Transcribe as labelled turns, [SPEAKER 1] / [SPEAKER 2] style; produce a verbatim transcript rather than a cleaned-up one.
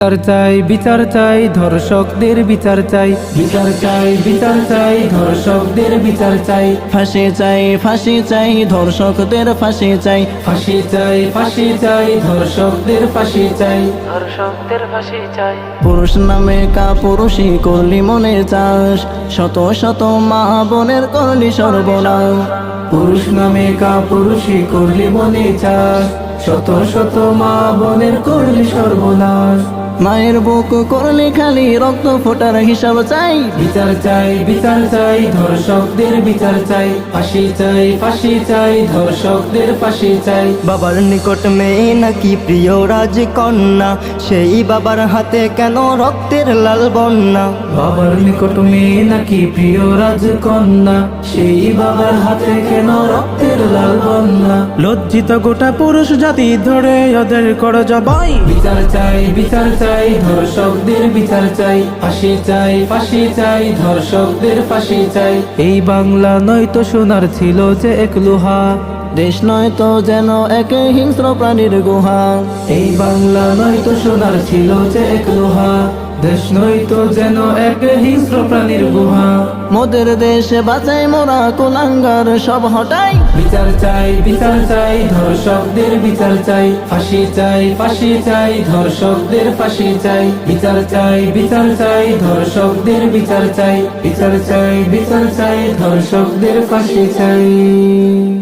[SPEAKER 1] বিচার চাই বিচার চাই ধর্ষকদের বিচার চাই বিচার চাই বিচার চাই ধর্ষকদের বিচার চাই
[SPEAKER 2] ফাঁসি চাই ফাঁসি চাই ধর্ষকদের ফাঁসি চাই
[SPEAKER 1] ফাঁসি চাই ফাঁসি চাই ধর্ষকদের ফাঁসি চাই
[SPEAKER 3] ধর্ষকদের ফাঁসি চাই।
[SPEAKER 2] পুরুষ নামে কা পুরুষই করলি মনে চাস, শত শত মা বোনের করলি সর্বনাশ।
[SPEAKER 1] পুরুষ নামে কা পুরুষই করলি মনে চাস, শত শত মা বোনের করলি সর্বনাশ।
[SPEAKER 2] মায়ের বুক করলি খালি রক্ত ফোটার হিসাব চাই।
[SPEAKER 1] বিচার চাই বিচার চাই ধর্ষকদের বিচার চাই ফাঁসি চাই ফাঁসি চাই ধর্ষকদের ফাঁসি চাই।
[SPEAKER 4] বাবার নিকট মেয়ে নাকি প্রিয় রাজকন্যা, সেই বাবার হাতে কেন রক্তের লাল বন্যা।
[SPEAKER 1] বাবার নিকট মেয়ে নাকি প্রিয় রাজকন্যা, সেই বাবার হাতে কেন রক্তের লাল বন্যা।
[SPEAKER 5] লজ্জিত গোটা পুরুষ জাতি ধরে ওদের কর জবাই।
[SPEAKER 1] বিচার চাই বিচার চাই ধর্ষকদের বিচার চাই ফাঁসি চাই ফাঁসি চাই ধর্ষকদের ফাঁসি চাই। এই বাংলা নয়তো সোনার ছিল যে এক লোহা,
[SPEAKER 2] দেশ নয় তো যেন এক হিংস্র প্রাণীর গুহা।
[SPEAKER 1] এই বাংলা নয়তো সোনার ছিল যে এক লোহা, দেশ নয়তো যেন এক হিংস্র প্রাণীর গুহা।
[SPEAKER 2] মোদের দেশে বাঁচাই মোরা কুলাঙ্গার সব হটাই।
[SPEAKER 1] বিচার চাই বিচার চাই ধর্ষকদের বিচার চাই ফাঁসি চাই ফাঁসি চাই ধর্ষকদের ফাঁসি চাই। বিচার চাই বিচার চাই ধর্ষকদের বিচার চাই বিচার চাই বিচার চাই ধর্ষকদের ফাঁসি চাই।